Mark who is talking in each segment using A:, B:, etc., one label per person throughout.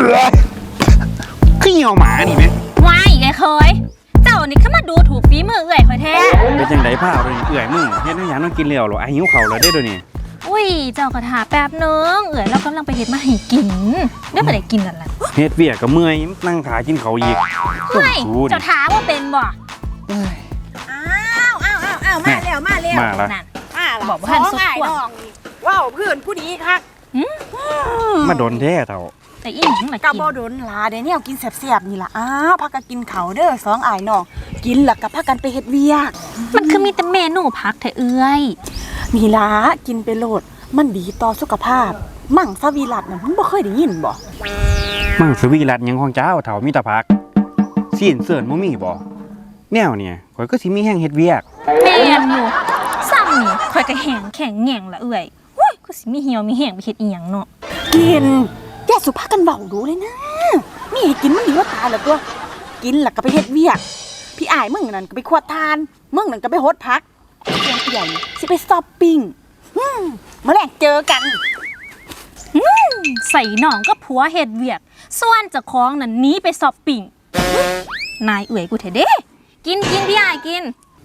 A: ขี้เหี่ยวหมานี่ไหม
B: วายไอ้เคยเจ้านี่เข้ามาดูถูกฝีมือเอื่อยคอยแท้
A: เป็นจังไดผ้าเลยเอื่อยมึงเฮ็ดให้หยังต้องกินแล้วหรอไอ้หิวเข่าแล้วได้ด้วยนี่
B: อุ้ยเจ้ากระถาแป๊บนึงเอื่อยเรากำลังไปเฮ็ดมาให้กินได้ไปได้กินกันละ
A: เฮ็ดเวียกกับเมื่อยนั่งขากินเขาอีก
B: ไม่เจ้าถามว่าเป็นบ่
C: อ้าวมาแล้ว
A: มาแล้ว
B: นั่น
C: บอกว่าท่านสุดขั้วว้าวเพื่อนผู้ดีคัก
A: มาโดนแท้เท่า
B: แต่อีหยังล่ะ
C: กะบ่โดนลาเดี๋ยวนี้เอากินแซ่บๆนี่ล่ะพักกันกินเขาเด้อสองอ้ายน้องกินแล้วก็พักกันไปเฮ็ดเวียก
B: มันคือมีแต่เมนูพักแท้เอื้อย
C: นี่ล่ะกินไปโลดมันดีต่อสุขภาพมั่งสวีรัตน์น่ะมึงบ่เคยได้ยินบ่
A: มั่งสวีรัตน์ยังของเจ้าเท่ามีแต่ผักซีนเสิร์นบ่มีบ่แนวเนี่ยข่อยก็สิมีแห้งเฮ็ดเวียก
B: แม่นอยู่ซ้ำนี่ข่อยก็แห้งแข็งแง่งละเอื้อยหุ้ยก็สิมีเหี่ยวมีแห้งไปเฮ็ดอีหยังเนาะ
C: กินแกสุภาพกันเบาดูเลยนะมีให้กินมันดีว่าตายแล้วตัวกินแล้วก็ไปเฮ็ดเวียกพี่อ้ายมึงนั่นก็ไปขวดทานมึงนั่นก็ไปโฮดพักเพียงใหญ่สิไปช้อปปิ้งมื้อแรกเจอกัน
B: ใส่หนองก็ผัวเฮ็ดเวียกส่วนเจ้าของนั่นหนีไปช้อปปิ้งนายเอื้อยกูแท้เด้กินพี่อ้ายกิน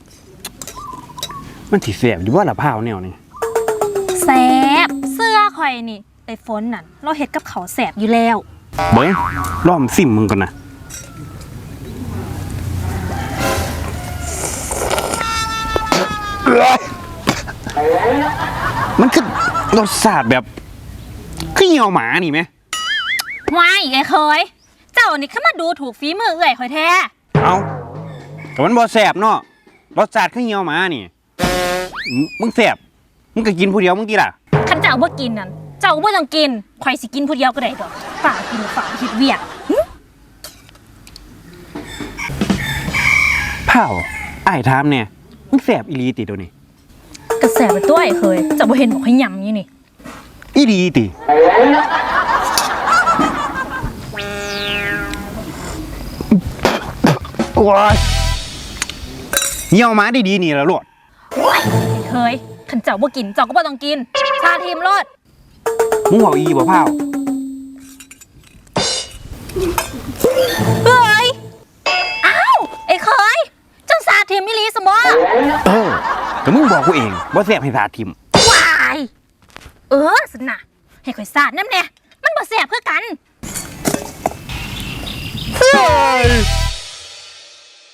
A: มันสิแซ่บอยู่ว่าละพร้าวแนวนี่
B: แซ่บเสื้อข่อยนี่ไอ้ฝนนั่นเราเฮ็ดกับเขาแซ่บอยู่แล้ว
A: เบิ่งล้อมซิมมึงก่อนนะมันคือรสชาติแบบขี้เหี่ยวหมานี่ไหม
B: วายไอ้เคยเจ้านี่เข้ามาดูถูกฝีมือเอื่อยข่อยแท้
A: เอาแต่มันบ่แซ่บเนาะรสชาติขี้เหี่ยวหมานี่มึงแซ่บมึงก็กินผู้เดียวมึงกี่ล่ะ
B: คันเจ้าบ่กินนั่นเจ้าบ่ต้องกินข่อยสิกินผู้เดียวก็ได้ดอกฝากกินฝากเฮ็ดเวียก
A: เผาอ้ายถามเนี่ยมึงแซ่บอีหลีติตัวนี้
B: ก็แซ่บไปตัวไอ้เคยเจ้าบ่เห็นบอกให้ยำอยู่นี่
A: อีหลีติว้ายเหี่ยวหมาดีๆนี่ล่ะโลด
B: เคยคันเจ้าบ่กินเจ้าก็บ่ต้องกินชาทีมโลด
A: มึงเว้าอีบ่เผา
B: เฮ้ยอ้าวไอ้เคยเจ้าสาทีมอีหลีซะบ่
A: ก็มึงบอกกูเองบ่แซ่บให้สาทิม
B: วายสินะให้ข่อยสาดน้ำแน่มันบ่แซ่บคือกัน
A: เฮ้ย